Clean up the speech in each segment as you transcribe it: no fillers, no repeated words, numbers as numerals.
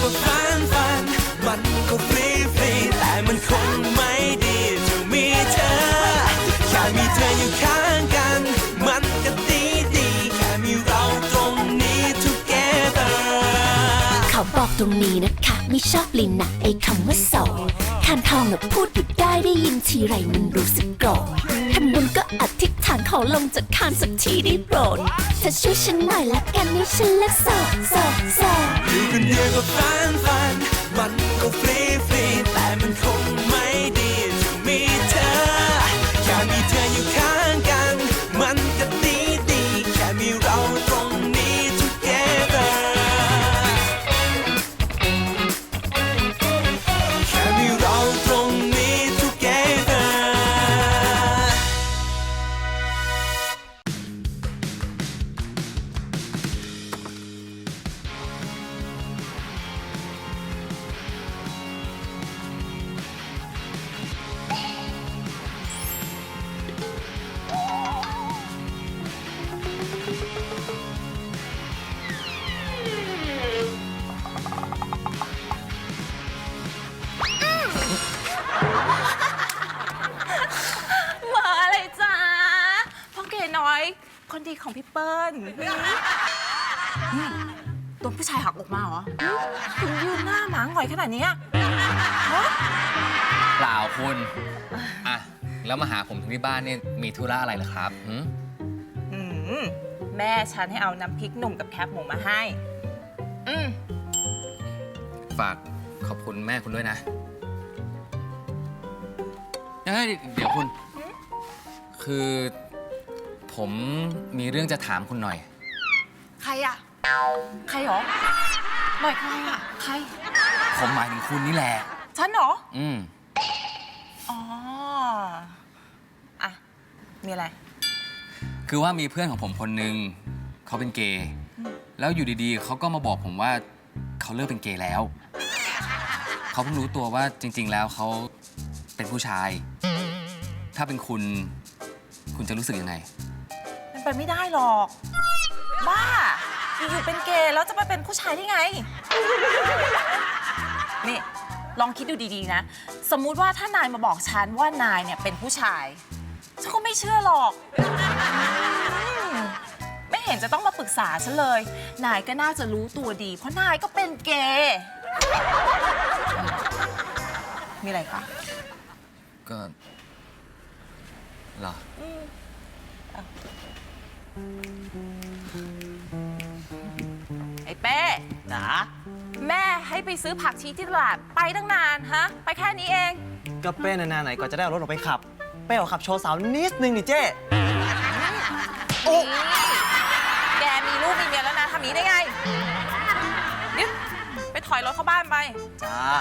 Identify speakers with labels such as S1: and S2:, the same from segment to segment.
S1: ก็ฝันมันก็ฟรีแต่มันคงไม่ดีจะมีเธอแค่มีเธออยู่ข้างกันมันก็ดีแค่มีเราตรงนี้ together
S2: เขาบอกตรงนี้นะคะไม่ชอบลินนะไอ้คำว่าโสดคานทองน่ะพูดหยุดได้ยินทีไรมันรู้สึกโกรธทำบุญก็อธิษฐานขอลงจากคานสักทีได้โปรดเธอช่วยฉันหน่อยละกันให้ฉันเลิกโสด
S1: อยู่คนเดียวก็ฝันมันก็ฟรีแต่มันคงไม่ดีจะมีเธอแค่มีเธออยู่ข้างกันมันก็ดีแค่มีเราตรงนี้ together แค่มีเราตรงนี้ together
S3: มาอะไรจ้าพ่อเก๋น้อย คนดีของพี่เปิ้ลโดนผู้ชายหักอกมาเหรอถึงยืนหน้าหมาหงอยขนาดนี้ฮะ
S4: เปล่าคุณอ่ะแล้วมาหาผมถึงที่บ้านเนี่ยมีธุระอะไรเหรอครับ
S3: แม่ฉันให้เอาน้ำพริกหนุ่มกับแคบหมูมาให้
S4: ฝากขอบคุณแม่คุณด้วยนะเฮ้ยเดี๋ยวคุณ คือผมมีเรื่องจะถามคุณหน่อย
S3: ใครอะใครหรอหน่อยใครอะใคร
S4: ผมหมายถึงคุณนี่แหละ
S3: ฉันเหรออ๋ออะมีอะไร
S4: คือว่ามีเพื่อนของผมคนหนึ่งเขาเป็นเกย์แล้วอยู่ดีๆเขาก็มาบอกผมว่าเขาเลิกเป็นเกย์แล้วเขาเพิ่งรู้ตัวว่าจริงๆแล้วเขาเป็นผู้ชาย ถ้าเป็นคุณจะรู้สึกยังไง
S3: มันไปไม่ได้หรอกบ้าอยู่ๆเป็นเกย์แล้วจะไปเป็นผู้ชายได้ไงนี่ลองคิดดูดีๆนะสมมุติว่าถ้านายมาบอกฉันว่านายเนี่ยเป็นผู้ชายฉันก็ไม่เชื่อหรอกไม่เห็นจะต้องมาปรึกษาฉันเลยนายก็น่าจะรู้ตัวดีเพราะนายก็เป็นเกย์มีอะไรคะ
S4: ก็เหรอ
S3: ไอ้เป้จ๋าแม่ให้ไปซื้อผักชีที่ตลาดไปตั้งนานฮะไปแค่นี้เอง
S5: ก็เป้นานๆไหนก่อนจะได้เอารถออกไปขับเป้ขอขับโชว์สาวนิดนึงนี่เจ๊
S3: โอ้แกมีลูกมีเมียแล้วนะทำนี้ได้ไงนี่ไปถอยรถเข้าบ้านไป
S5: จ้า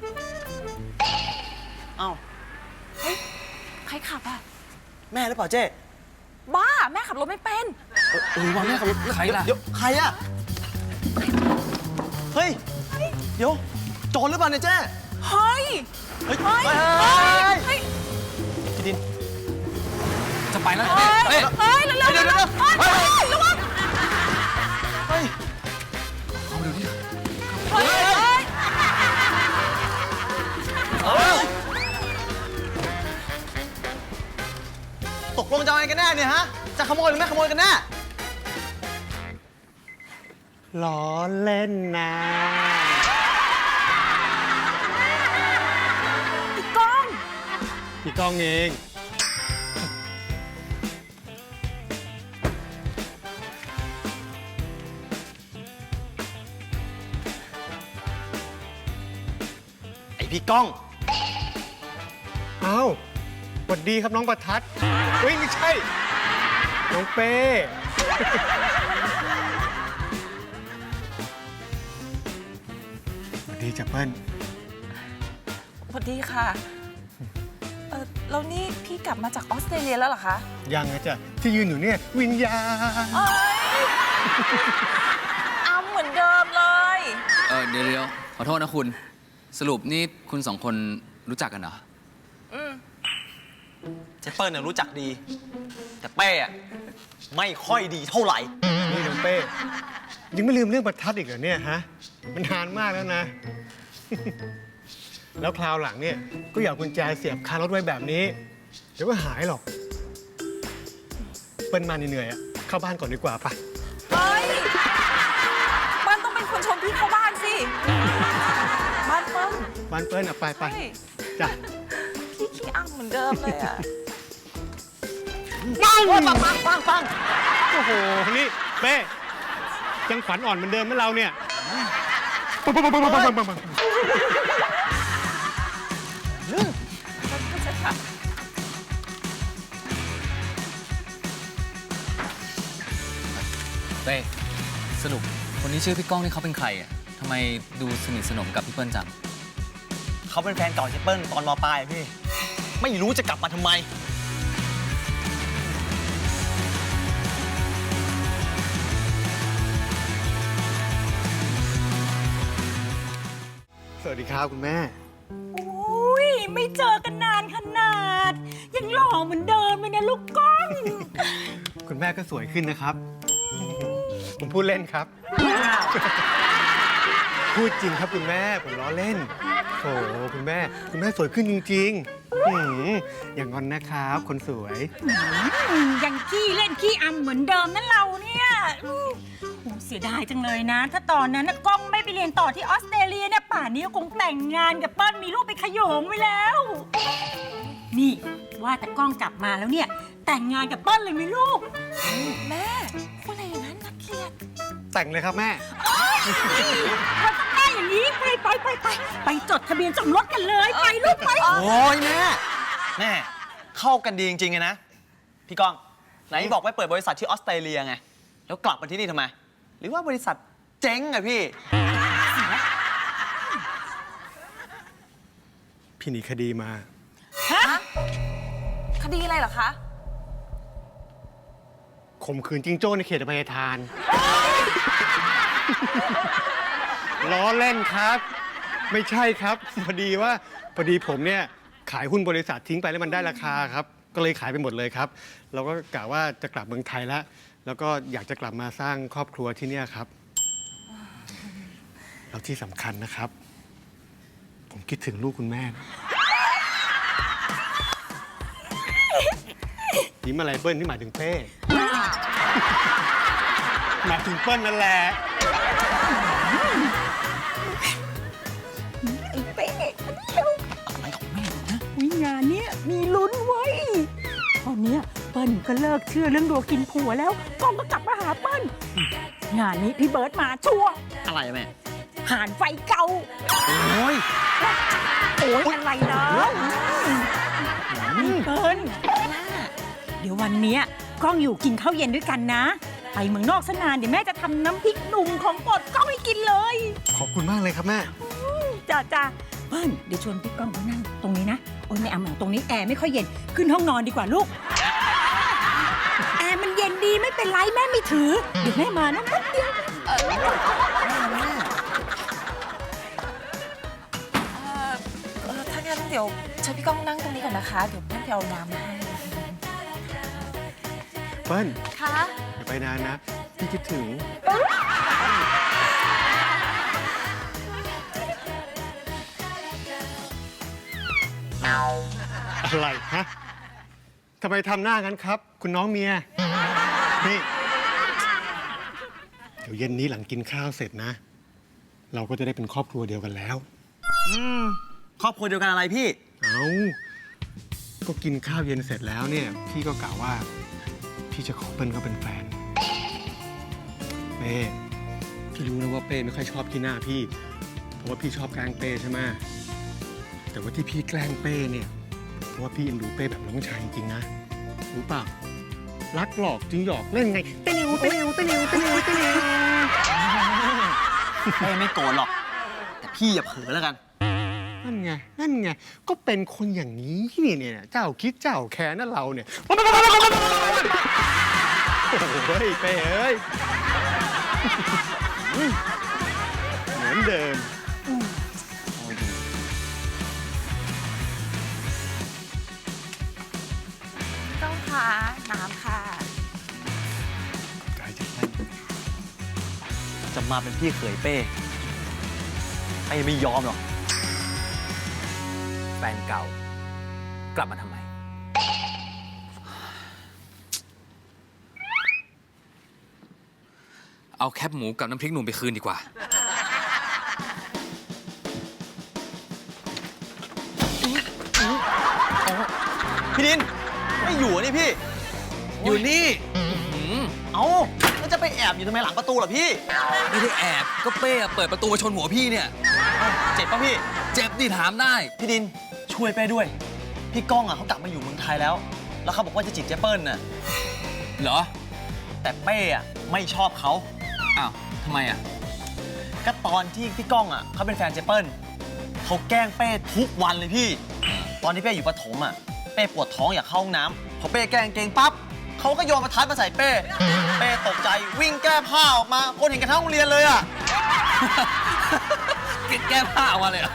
S5: เอ้า
S3: เฮ้ยใครขับอะ
S5: แม่หรือเปล่าเจ๊
S3: บ้าแม่ขับรถไม่เป็น
S5: ว่าแม่ขับรถ
S4: ใครล่ะ
S5: เดี๋ยวใครอะเฮ้ยเดี๋ยวโจรหรือเปล่าเนี่ยเจ๊
S3: เฮ้ย
S5: พี่ดิน
S4: จะไปแล้ว
S3: เฮ้ยเร็วๆระวัง
S5: เฮ้ย
S4: เอาดูดิ
S5: ตกลงจะเอาไงกันแน่เนี่ยฮะจะขโมยหรือไม่ขโมยกันแน่ล้อเล่นนะ
S3: พี่ก้อง
S5: เองไอพี่ก้อง
S6: อ้าวสวัสดีครับน้องประทัดเฮ้ยไม่ใช่น้องเป้สวัสดีจ้ะเปิ้ล
S3: สวัสดีค่ะแล้วนี่พี่กลับมาจากออสเตรเลียแล้วเหรอคะ
S6: ยังนะจ๊ะที่ยืนอยู่เนี่ยวิญญาณ
S3: เอาเหมือนเดิมเลย
S4: เดี๋ยวขอโทษนะคุณสรุปนี่คุณสองคนรู้จักกันเหรอ
S5: เจเปิ้ลเนี่ยรู้จักดี แต่เป้อะไม่ค่อยดีเท่าไหร่
S6: นี่น้องเป้ยังไม่ลืมเรื่องประทัดอีกเหรอเนี่ยฮะ มันนานมากแล้วนะ แล้วคราวหลังเนี่ยก็อย่าเอากุญแจเสียบคารถไว้แบบนี้ เดี๋ยวก็หายหรอก เปิ้ลมาเหนื่อยๆอะเข้าบ้านก่อนดีกว่าปะ
S3: เฮ้ยเปิ้ลต้องเป็นคนชมพี่เข้าบ้านสิ บ้านเปิ้ล
S6: บ้านเปิ้ลอะไป
S3: ใช่
S6: จ้ะ
S3: พี่ขี้อ้ำเหมือนเดิมเลยอะ
S5: ปัง
S6: โอ้โห นี่เป้ยังขวัญอ่อนเหมือนเดิมไหมเราเนี่ยปัง
S4: เป้สรุปคนที่ชื่อพี่ก้องนี่เขาเป็นใครอ่ะทำไมดูสนิทสนมกับพี่เปิ้ลจัง
S5: เขาเป็นแฟนเก่าเจเปิ้ลตอนม.ปลายพี่ ไม่รู้จะกลับมาทำไม
S6: สวัสดีครับคุณแม่
S7: อุ้ยไม่เจอกันนานขนาด ยังหล่อเหมือนเดิมเลยนะลูกก้อง
S6: คุณแม่ก็สวยขึ้นนะครับ ผมพูดเล่นครับ พูดจริงครับคุณแม่ ผมล้อเล่นโอ้คุณแม่สวยขึ้นจริงๆอย่างงอนนะครับ คนสวย
S7: ยังขี้เล่นขี้อำเหมือนเดิมนั่นเราเนี่ยโอ้เสียดายจังเลยนะ ถ้าตอนนั้นนะก้องไม่ไปเรียนต่อที่ออสเตรเลียเนี่ยป่านนี้ก็คงแต่งงานกับเปิ้ลมีลูกไปขโยงไว้แล้ว นี่ว่าแต่ก้องกลับมาแล้วเนี่ย แต่งงานกับเปิ้ลเลยไหมลูก
S3: แม่พูดอะไรอย่างนั้นนักเกลียด
S6: แต่งเลยครับแม่
S7: มันต้องได้อย่างนี้ไปจดทะเบียนสมรสกันเลยไปลูกไป
S5: โอ้ยแม่เข้ากันดีจริงๆนะ พี่ก้อง ไหนบอกไปเปิดบริษัทที่ออสเตรเลียไง แล้วกลับมาที่นี่ทำไม หรือว่าบริษัทเจ๊งอะพี่
S6: พี่หนีคดีมา
S3: คดีอะไรเหรอคะ
S6: ข่มขืนจิงโจ้ในเขตอภัยทาน ล้อเล่นครับ ไม่ใช่ครับ พอดีผมเนี่ยขายหุ้นบริษัททิ้งไปแล้วมันได้ราคาครับ ก็เลยขายไปหมดเลยครับ เราก็กะว่าจะกลับเมืองไทยแล้วก็อยากจะกลับมาสร้างครอบครัวที่เนี่ยครับแล้วที่สำคัญนะครับ ผมคิดถึงลูกคุณแม่นะยิ้มอะไรเปิ้ลที่หมายถึงเป้หมายถึงเปิ้ลนั่นแหละ
S7: วิงานเนี้ยมีลุ้นเว้ยตอนเนี้ยเปิ้ลก็เลิกเชื่อเรื่องดัวกินผัวแล้วก้องก็กลับมาหาเปิ้ลงานนี้พี่เบิร์ตมาชัวร์
S5: อะไรแม่
S7: ห่านไฟเก่า
S5: โอ้ย
S7: โอ้ยอะไรนะนี่เปิ้ลเดี๋ยววันเนี้ยก้องอยู่กินข้าวเย็นด้วยกันนะ ไปเมืองนอกซะนานเดี๋ยวแม่จะทำน้ำพริกหนุ่มของโปรดก้องให้กินเลย
S6: ขอบคุณมากเลยครับแม่
S7: จ้าเปิ้ลเดี๋ยวชวนพี่ก้องมานั่งตรงนี้นะโอ้ยไม่เอาหนังตรงนี้แอร์ไม่ค่อยเย็นขึ้นห้องนอนดีกว่าลูกแอร์มันเย็นดีไม่เป็นไรแม่ไม่ถือเดี๋ยวแม่มานะแป๊บเดียว
S3: ถ้างั้นเดี๋ยวเชิญพี่ก้องนั่งตรงนี้ก่อนนะคะ เดี๋ยวเปิ้ลไปเอาน้ำมาให้
S6: เปิ้ล
S3: คะ
S6: อย่าไปนานนะ พี่คิดถึง อะไรฮะทำไมทำหน้างั้นครับ คุณน้องเมีย นี่ เดี๋ยวเย็นนี้หลังกินข้าวเสร็จนะ เราก็จะได้เป็นครอบครัวเดียวกันแล้ว
S5: ครอบครัวเดียวกันอะไรพี่
S6: เอาก็กินข้าวเย็นเสร็จแล้วเนี่ย พี่ก็กล่าวว่า พี่จะขอเปิ้ลเขาเป็นแฟน เป้พี่รู้นะว่าเป้ไม่ค่อยชอบขี้หน้าพี่ เพราะว่าพี่ชอบแกล้งเป้ใช่ไหมแต่ว่าที่พี่แกล้งเป้เนี่ยเพราะว่าพี่เอ็นดูเป้แบบน้องชายจริงๆนะรู้เปล่ารักหลอกจริงหยอกเล่นไงเตนิวเตนิวเตนิวเตนิวเตนิว
S5: เป้ไม่โกรธหรอก แต่พี่อย่าเผลอแล้วกัน
S6: นั่นไงก็เป็นคนอย่างนี้เนี่ยเจ้าคิดเจ้าแค้นนั่นเราเนี่ยโอ้ยเป้เอ้ยเหมือนเดิม
S3: พี่ก้องคะน้ำค่ะ
S6: ใจจะเต้น
S5: จะมาเป็นพี่เขยเป้ไม่ยอมหรอก
S8: แฟนเก่ากลับมาทำไม
S4: เอาแคบหมูกับน้ำพริกหนุ่มไปคืนดีกว่า
S5: พี่ดิน ไม่อยู่นี่พี่
S4: อยู่นี่
S5: เอ้าแล้วจะไปแอบอยู่ทำไมหลังประตูเหรอพี่
S4: ไม่ได้แอบ ก็เป้เปิดประตูมาชนหัวพี่เนี่ย
S5: เอ้าเจ็บป่ะพี่
S4: เจ็บดิถามได้
S5: พี่ดินช่วยเป้ด้วย พี่ก้องเขากลับมาอยู่เมืองไทยแล้ว แล้วเขาบอกว่าจะจีบเจเปิ้ลน่ะ
S4: เหรอ
S5: แต่เป้ไม่ชอบเขา
S4: อ้าวทำไมอ่ะ
S5: ก็ตอนที่พี่ก้องเขาเป็นแฟนเจเปิ้ลเขาแกล้งเป้ทุกวันเลยพี่ ตอนที่เป้อยู่ประถมเป้ปวดท้องอยากเข้าห้องน้ำพอเป้แกล้งเกงปั๊บเขาก็โยนประทัดมาใส่เป้ตกใจวิ่งแก้ผ้าออกมาคนเห็นกันทั้งโรงเรียนเลยอ่ะ
S4: แก้ผ้าออกมาเลยเหรอ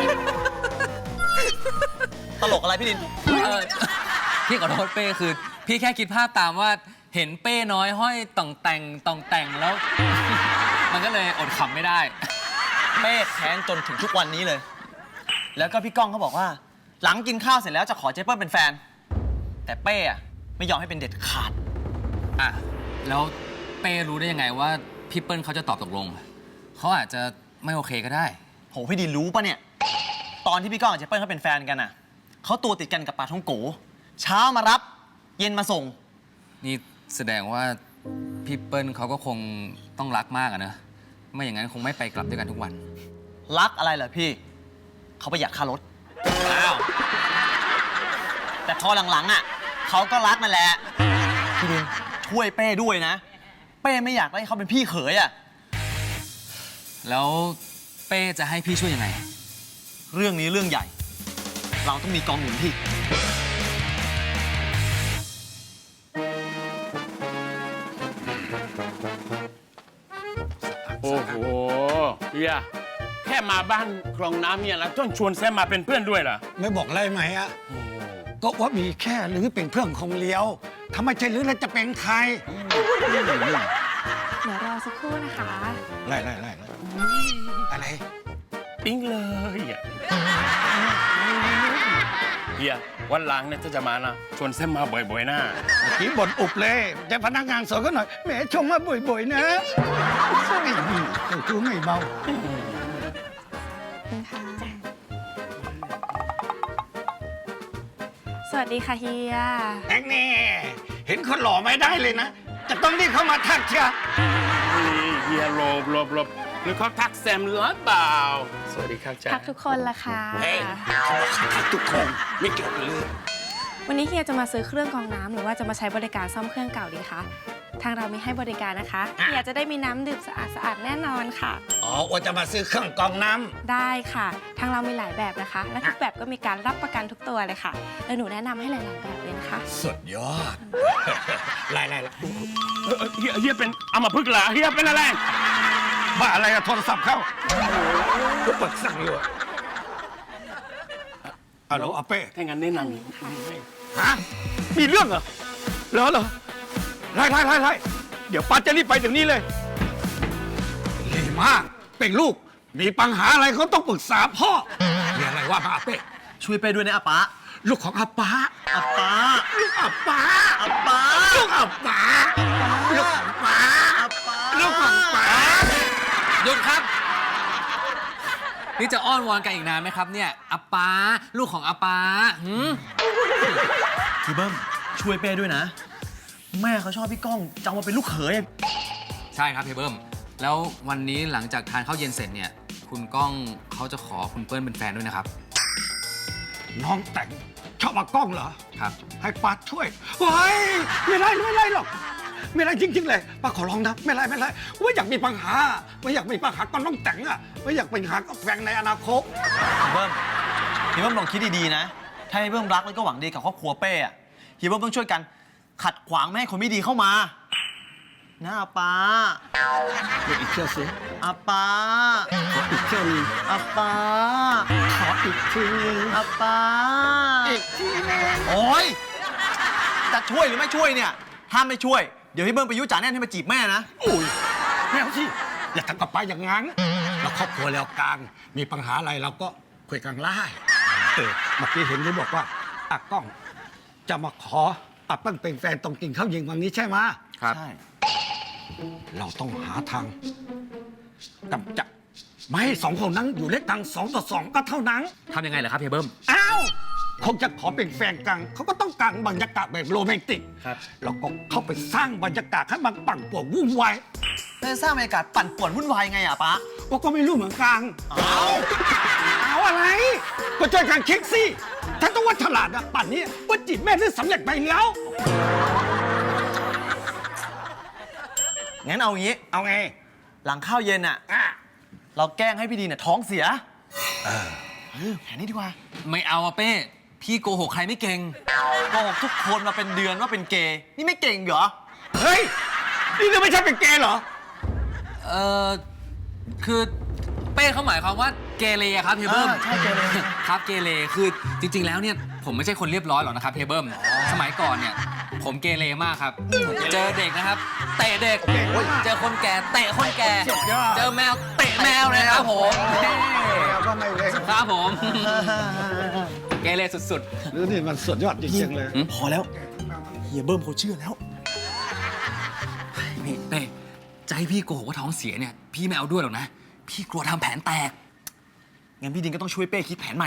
S5: ตลกอะไรพี่ดิน
S4: พี่ขอโทษเป้คือ พี่แค่คิดภาพตามว่าเห็นเป้น้อยห้อยต่องแต่งแล้ว มันก็เลยอดขำไม่ได้
S5: เป้แค้นจนถึงทุกวันนี้เลย แล้วก็พี่ก้องเขาบอกว่า หลังกินข้าวเสร็จแล้วจะขอเจเปิ้ลเป็นแฟน แต่เป้ไม่ยอมให้เป็นเด็ดขาด
S4: อ่ะ แล้วเป้รู้ได้ยังไงว่าพี่เปิ้ลเขาจะตอบตกลง เขาอาจจะไม่โอเคก็ได้
S5: โหพี่ดินรู้ปะเนี่ย ตอนที่พี่ก้องกับเจเปิ้ลเขาเป็นแฟนกันเขาตัวติดกันกับปลาท่องโกเช้ามารับเย็นมาส่ง
S4: นี่แสดงว่าพี่เปิ้ลเขาก็คงต้องรักมากอะนะ ไม่อย่างนั้นคงไม่ไปกลับด้วยกันทุกวัน
S5: รักอะไรเหรอพี่ เขาประหยัดค่ารถ
S4: อ้าว
S5: แต่พอหลังๆเขาก็รักนั่นแหละ พี่ดินช่วยเป้ด้วยนะ เป้ไม่อยากให้เขาเป็นพี่เขย
S4: แล้วเป้จะให้พี่ช่วยยังไง
S5: เรื่องนี้เรื่องใหญ่ เราต้องมีกองหนุนพี่
S9: โอ้โหเฮียแค่มาบ้านคลองน้ำเนี่ยแล้วต้องชวนแซมมาเป็นเพื่อนด้วยเหรอ
S10: ไม่บอกอะไรไหมอะก็ว่ามีแค่หรือเป็นเพื่อนของเลี้ยวถ้าไม่ใช่หรือแล้วจะเป็นใคร
S11: เดี๋ยวรอสักครู่นะคะ
S10: ไล่อะไร
S9: ปิ๊งเลยอ่ะเฮียวันหลังเนี่ยถ้าจะมานะชวนแซมมาบ่อยๆนะ
S10: ผีบ่นอุบเลยแต่พนักงานสอนก็หน่อยแหมชงมาบ่อยๆนะไอ้นี่เจ้าชู้ไม่เบา
S11: สวัสดีค่ะเฮีย
S10: แองแน่เห็นคนหล่อไม่ได้เลยนะ จะต้องรีบเข้ามาทักเชีย
S9: เฮียหลบหรือเขาทักแซมหรือเปล่าสวัสดีครับจ้า
S11: ทักทุกคนละค่ะ
S10: ทักทุกคนไม่เกี่ยวกันเลย
S11: วันนี้เฮียจะมาซื้อเครื่องกรองน้ำหรือว่าจะมาใช้บริการซ่อมเครื่องเก่าดีคะ ทางเรามีให้บริการนะคะ เฮียจะได้มีน้ำดื่มสะอาดแน่นอนค่ะ
S10: อ๋อว่าจะมาซื้อเครื่องกรองน้ำ
S11: ได้ค่ะ ทางเรามีหลายแบบนะคะ และทุกแบบก็มีการรับประกันทุกตัวเลยค่ะแล้วหนูแนะนำให้หลายๆแบบเลยนะคะ
S10: สุดยอด ไล่
S9: เฮียเป็นอัมพฤกษ์เหรอเฮียเป็นอะไร
S10: บ้าอะไรอะโทรศัพท์เข้าก็เปิดสั่งอยู่อะฮัลโหลอาเป้
S9: ถ้างั้นแนะนำ
S10: ฮะ มีเรื่องเหรอเหรอไล่เดี๋ยวป้าจะรีบไปเดี๋ยวนี้เลยรีบมาก เป็นลูก มีปัญหาอะไรเขาต้องปรึกษาพ่อมีอะไรว่ามาอาเป้
S5: ช่วยเป้ด้วยนะอาป๊า
S10: ลูกของอาป้า
S5: อาป๊า
S10: ลูกอาป้า
S5: อาป๊า
S10: ลูกอาป้าลูกของป้า
S5: อาป๊า
S10: ลูกของป้า
S4: หยุดครับ นี่จะอ้อนวอนกันอีกนานไหมครับเนี่ยอาป้าลูกของอาป้าหืม
S5: พี่เบิ้มช่วยเป้ด้วยนะ แม่เขาชอบพี่ก้องจะเอามาเป็นลูกเขย
S4: ใช่ครับพี่เบิ้มแล้ววันนี้หลังจากทานข้าวเย็นเสร็จเนี่ย คุณก้องเขาจะขอคุณเปิ้ลเป็นแฟนด้วยนะครับ
S10: น้องแต่งชอบมากล้องเหรอ
S4: ครับ
S10: ให้ป้าช่วยเฮ้ยไม่ไล่หรอก ไม่ไล่จริง ๆ เลยป้าขอร้องนะไม่ไล่ว่าอยากมีปัญหาไม่อยากมีปัญหาก็น้องแต่งอะไม่อยากเป็นหากับแฟนในอนาคต
S5: พี่เบิ้มลองคิดดีๆนะ ถ้าพี่เบิ้มรักแล้วก็หวังดีกับครอบครัวเป้พี่เบิ้มต้องช่วยกันขัดขวางไม่ให้คนไม่ดีเข้ามานะอาป๊า
S10: เดี๋ยวอีกเที่ยวสิ
S5: อาป๊า
S10: ขออีกเที่ยวนึง
S5: อาป๊า
S10: ขออีกทีนึง
S5: อาป๊า
S10: อีกทีนึง
S5: โอ๊ยจะช่วยหรือไม่ช่วยเนี่ยถ้าไม่ช่วยเดี๋ยวพี่เบิ้มไปยุจ่าแน่นให้มาจีบแม่นะ
S10: อุ้ยไม่เอาสิอย่าทำกับป้าอย่างนั้นเราครอบครัวแล้วกลางมีปัญหาอะไรเราก็คุยกันไล่เมื่อกี้เห็นได้บอกว่าตากล้องจะมาขออับเปิ้ลเป็นแฟนตรงกินข้าวเย็นวันนี้ใช่ไหม
S4: ครับ
S5: ใช่
S10: เราต้องหาทางกำจัดไม่ให้สองคนนั้นอยู่ด้วยกัน2-2ก็เท่านั้น
S4: ทำยังไงเหรอครับเฮียเบิ้ม
S10: อ้าวคงจะขอเป็นแฟนกันเขาก็ต้องการบรรยากาศแบบโรแมนติก
S4: ครับ
S10: เราก็เข้าไปสร้างบรรยากาศให้มันปั่นป่วนวุ่นวาย
S5: แล้วจะสร้างบรรยากาศปั่นป่วนวุ่นวายไงอ่ะป๊า
S10: ก็ไม่รู้เหมือนกันเอาอะไร ก็ช่วยกันคิดสิถ้าต้องว่าฉลาดอะปั่นนี้ว่าจีบแม่ได้สำเร็จไปแล้ว
S5: งั้นเอางี้
S10: เอาไง
S5: หลังข้าวเย็นอ่ะ เราแกล้งให้พี่ดีเนี่ยท้องเสียแผนนี้ดีกว่า
S4: ไม่เอาอะเป้ พี่โกหกใครไม่เก่ง
S5: โกหกทุกคนมาเป็นเดือนว่าเป็นเกย์ นี่ไม่เก่งเหรอ
S10: เฮ้ย นี่จะไม่ใช่เป็นเกย์เหรอ
S4: คือเป้เขาหมายความว่าเกเรอะครับเฮียเบิ้ม
S5: ใช่เกเร
S4: ครับเกเรคือจริง ๆ แล้วเนี่ยผมไม่ใช่คนเรียบร้อยหรอกนะครับเฮียเบิ้มสมัยก่อนเนี่ยผมเกเรมากครับ เจอเด็กนะครับเตะเด็กเจอคนแก่เตะคนแก่
S10: สุดยอด
S4: เจอแมวเตะแมวเลยครับผม
S10: แล้วก็ไม่เล็ก
S4: ครับผมเกเรสุด
S10: หรือนี่มันสุดยอดจริงๆเลย
S5: พอแล้ว เฮียเบิ้มเขาเชื่อแล้ว
S4: ๆนี่เป้จะให้พี่โกหกว่าท้องเสียเนี่ยพี่ไม่เอาด้วยหรอกนะพี่กลัวทำแผนแตก
S5: งั้นพี่ดินก็ต้องช่วยเป้คิดแผนใหม่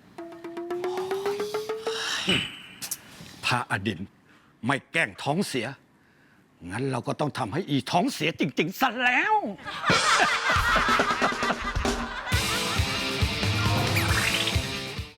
S10: ถ้าอดินไม่แกล้งท้องเสีย งั้นเราก็ต้องทำให้อีท้องเสียจริงๆซะแล้ว